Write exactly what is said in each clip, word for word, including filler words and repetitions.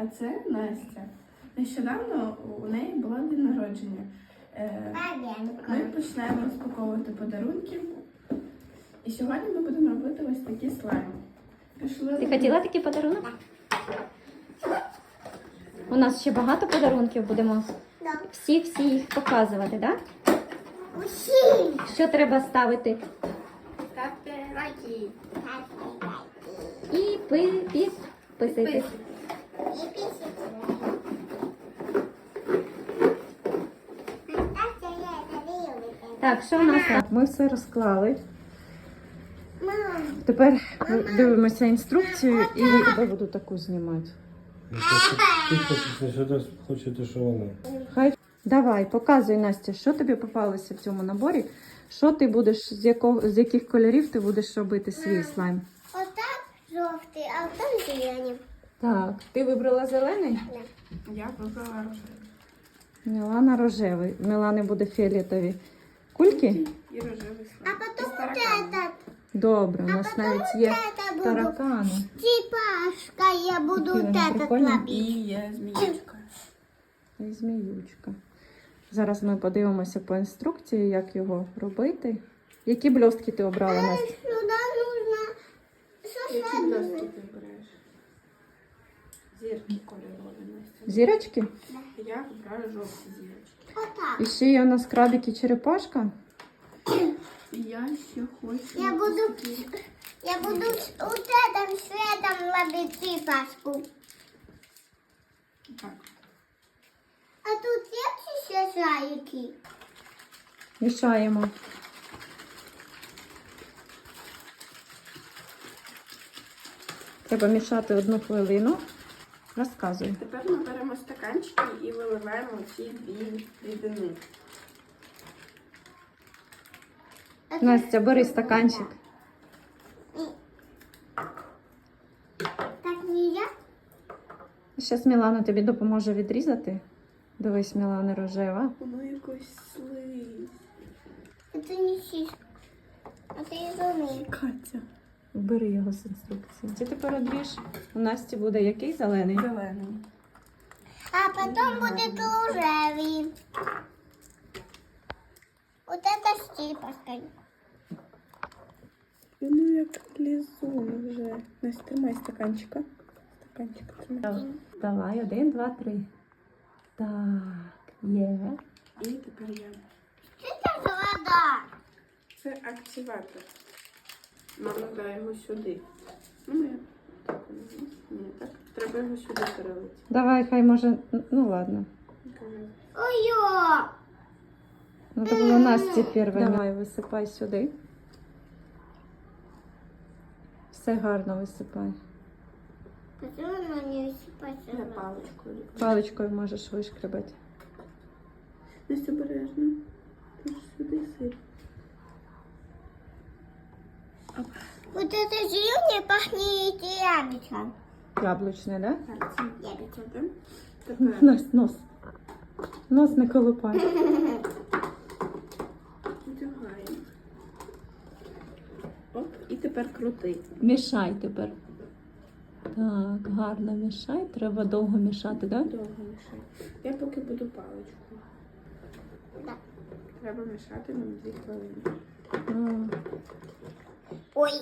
це Настя. Нещодавно у неї було день народження. Е, Ми почнемо розпаковувати подарунки. І сьогодні ми будемо робити ось такі слайми. Пішли. Ти хотіла такий подарунок? У нас ще багато подарунків, будемо всі-всі їх показувати, так? Усі! Що треба ставити? Ставте лайки. І підписуйтесь. І після. Так, що у нас? Так, ми все розклали. Мам, Тепер дивимося інструкцію і я буду таку знімати. Ти хочеш, що ти хочете, що вона? Хай давай, показуй, Настя, що тобі попалося в цьому наборі. Що ти будеш, з якого з яких кольорів ти будеш робити свій слайм? отак жовтий, а там зелені. Так, ти вибрала зелений? Я вибрала рожевий. Мілана рожевий. В Мілани буде фіолетові кульки. І рожевий А слайм. потім Із вот тараканом. этот. Добре, у А нас потім навіть є это буду. таракани. Типашка, я буду Какие вот они этот прикольные. ловить. І є зміючка. І зміючка. Зараз ми подивимося по інструкції, як його робити. Які блістки ти обрала, Настя? Сюда нужно Які сосать. блістки ти береш? Зірки кольорові, Настя. Зірочки? Я вибираю жовті зірочки. Вот І так. ще є у нас крабик і черепашка. І я ще хочу... Я буду, ось такі. я буду вот этим светом ловить типашку. Так. А тут есть еще зайки? Мішаємо. Треба мішати одну хвилину. Розказуй. Тепер ми беремо стаканчики і виливаємо ці дві рідини. А тут- Настя, бери стаканчик. Так нельзя? Зараз Мілана тобі допоможе відрізати. Дивись, Мілана рожева. Воно якось слизь. Это не сиська. Это изумруд. Катя. Бери його з інструкції. Ти тепер одріж. У Насті буде який зелений? Зелений. А потом будет рожевый. Вот это с типашкой. Воно як лізун вже. Настя, тримай стаканчика. Стаканчик тримай. Давай, один, два, три. Так, є. І тепер я. Это вода. Це активатор. Мама дай його сюди. Ну, я так. Ні, так. Треба його сюди перелити. Давай, хай може. Ну ладно. Ой-ё! Ну так було Насті перше. Давай, висипай сюди. Все гарно висипай. Почему она не высыпается? Я паличкою. Паличкою можеш вишкребати. Настя, обережно. Ти ж сюди сип. Вот это зеленое пахнет яблоком. Яблучне, да? Так, це Яблочко. Тепер. Тепер. Настя, нос. Нос не колупай. Вдягаємо. Оп, і тепер крути. Мішай тепер. Так, гарно мішай. Треба довго мішати, так? Довго мішай. Я поки буду паличкою. Да. Треба мішати нам дві хвилини. Да? Ой.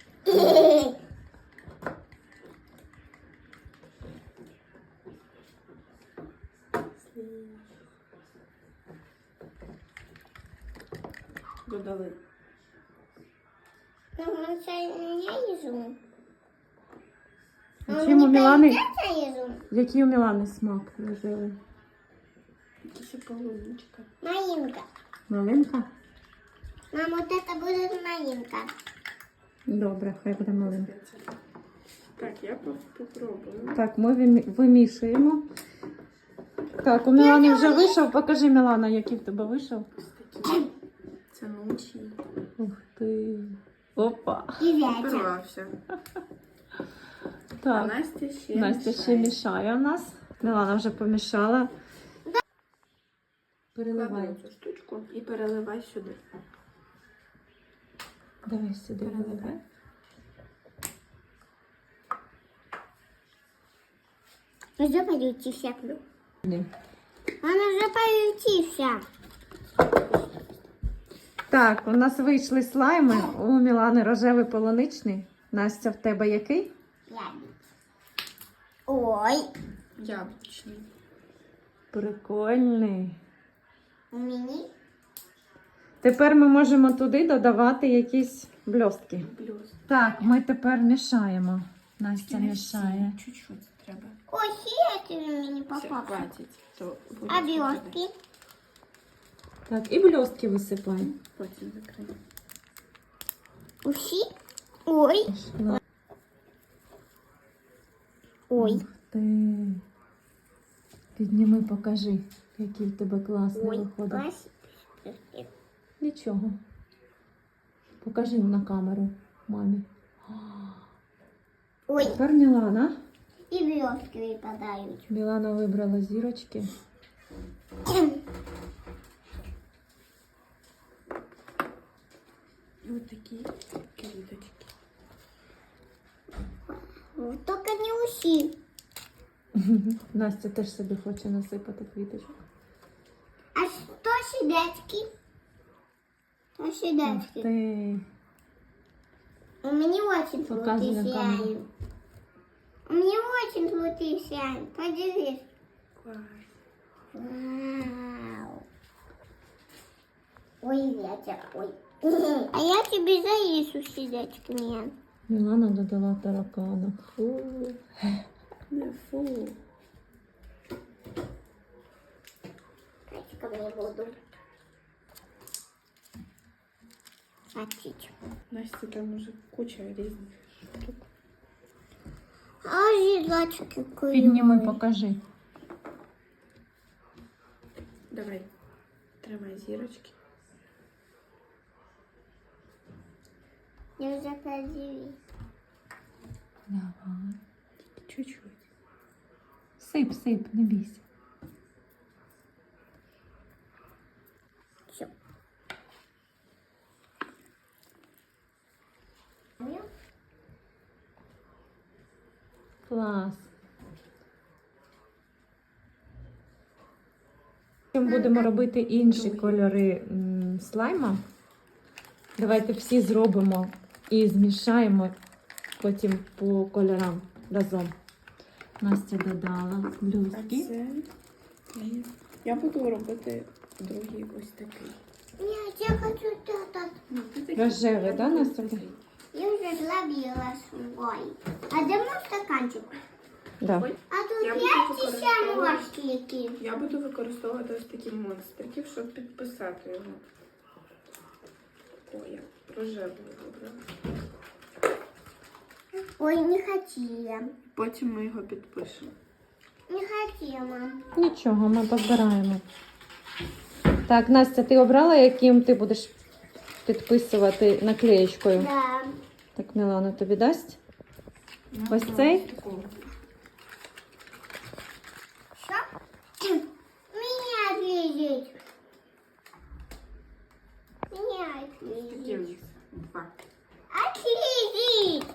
Додали. Ну, це не ізюм. А чим у Мілани? Це ізюм. Який у Мілани смак рожевий? Ще полуничка. Малинка. Малинка? Мам, вот это будет малинка. Добре, хай буде малинка. Так, я попробую. Так, ми вимі- вимішуємо. Так, у Мілани вже вийшов. Покажи, Мілана, який в тебе вийшов. Ось такі. Це ночі. Ух ти. Опа. І вятя. Порвався. А Так, Настя ще Настя мішає. ще мішає у нас. Мілана вже помішала. Переливай. Клади цю штучку і переливай сюди. Давай сюди переливай. Вже полетівся. Ні. Вона вже полетівся. Так, у нас вийшли слайми. У Мілани рожевий полуничний. Настя, в тебе який? Ой, Яблучний. Прикольний. у мені Тепер ми можемо туди додавати якісь блістки. Плюс. Так, ми тепер мішаємо. Настя мішає. Чуть-чуть треба. ой, сіяти мені Все, попав. хватить. То буде А добре. блістки? Так, і блістки висипай. Потім закрию. Усі? Ой, ой, Ух ти. Підніми, покажи, який в тебе класний ой. виходить. Клас. Нічого. Покажи на камеру мамі. Ой, Тепер Мілана. і блістки випадають. Мілана вибрала зірочки. І от такі квіточки. Ну, тільки не усі. Настя теж собі хоче насипати квіточок. А що сідечки? Що Ух сідечки? ти. У меня очень Показывай золотые на камеру. сияют. У меня очень золотые сияют. Подивись. Клас. Вау. Ой, ветер, ой. А я тебе завису сидячками. Мілана додала таракана. Фу. Не фу. Качками буду. Сочить. Настя, там уже куча різних штук. А зидачки Підніми, покажи. Давай. Тримай зірочки. Я уже подивись. Давай. Чуть-чуть. Сип, сип, не бійся. Все. Клас. Потім будемо робити інші кольори м, слайма. Давайте всі зробимо і змішаємо потім по кольорам разом. Настя додала А блюзки. це... Ні. Я буду робити другий ось такий. Нет, я хочу этот. Ну, ти такий. Рожевий, Я да, буду Настя? Я такий. уже зловила свой. А де мой стаканчик? Да. Ой, А тут Я буду є ще використовувати- морщики. я буду використовувати ось такі монстриків, щоб підписати його. Ой, я рожевий вибрала. Ой, не хотіла. Потім ми його підпишемо. Не хотіла. Нічого, ми позбираємо. Так, Настя, ти обрала, яким ти будеш підписувати наклеєчкою? Да. Так, Мілана тобі дасть? Ну, Ось ну, цей? такого. Що? Меня отвезет. Меня Такі у отвезет. них два. Отвезет.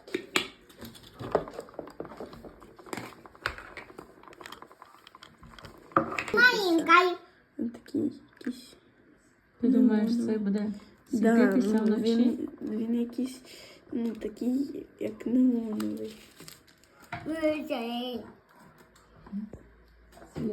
Маленькой. Він такий якийсь. Ти думаєш, це буде світитися ну, вночі? він, він якийсь, ну, такий, як неоновий. Выжей. Світ.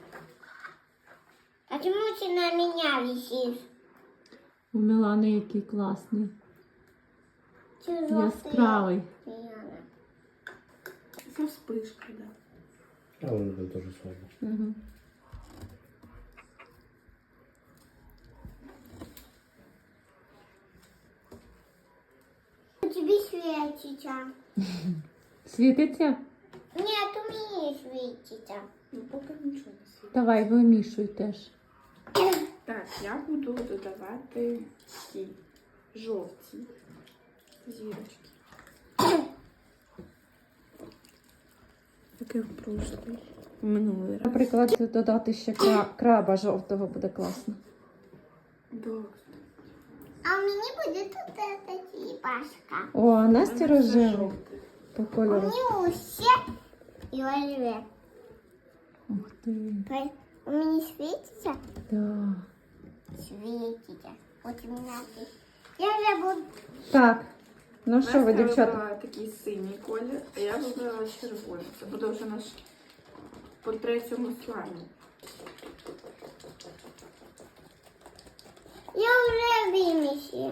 А почему ты на меня висишь? У Мілани який класний. Чужой Яскравий. Милана. Це вспишка, да. А он это тоже самое. Угу. У тебя светится. Світиться? Нет, у меня светится. Ну, поки нічого не світить. Давай, вимішуй теж. Так, я буду додавати ті жовті зірочки. Таке в прошлий, в минулий раз. Наприклад, додати ще кра- краба жовтого буде класно. Добре. А у меня будет вот эта черепашка. О, а Настя Це рожева жовте. по У кольору. меня усе и рожеве. ти. У меня светится? Да. Светится. Вот у меня здесь. Я уже буду... Так, ну що ви, Настя дівчата? вибрала такий синій колір, а я вибрала червоний. Це буде вже наш по третьому слайму. Я уже вымесила.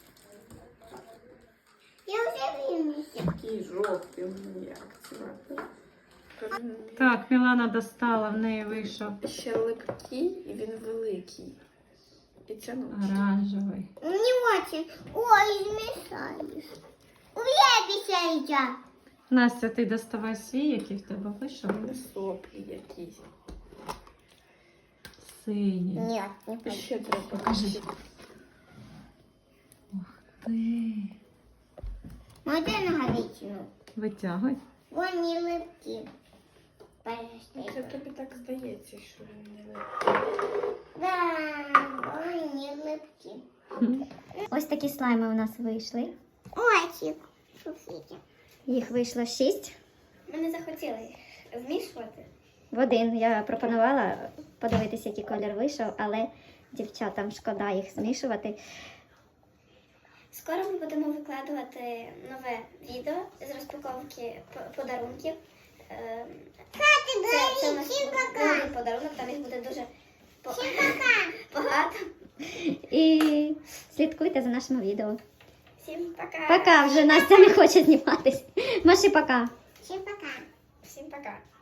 Я уже вымесила. Такий жовтий, ну, як це назвати? Так, Мілана достала, в неї вийшов Ще липкий і він великий. І тянучий. оранжевий. Не очень. Ой, измешались. Уебися я. Настя, ти доставай свій, який в тебе вийшов. Не соплі якісь. Синій. Нет, не І ще треба. Покажи. Ух ти. Можно наговичину. Витягуй. Вон не липки. Це Подожди. тобі так здається, що він не липкий. Да, вон не липки. Ось такі слайми у нас вийшли. Очень. Шуфите. Їх вийшло шість. Ми не захотіли змішувати. В один я пропонувала подивитися, який колір вийшов, але дівчатам шкода їх змішувати. Скоро ми будемо викладувати нове відео з розпаковки п- подарунків. Ем, Це, це наш новий подарунок, там їх буде дуже по- багато. І слідкуйте за нашими відео. Всім пока. Пока, вже Настя не хоче зніматись. Маші, пока. Всім пока. Всім пока.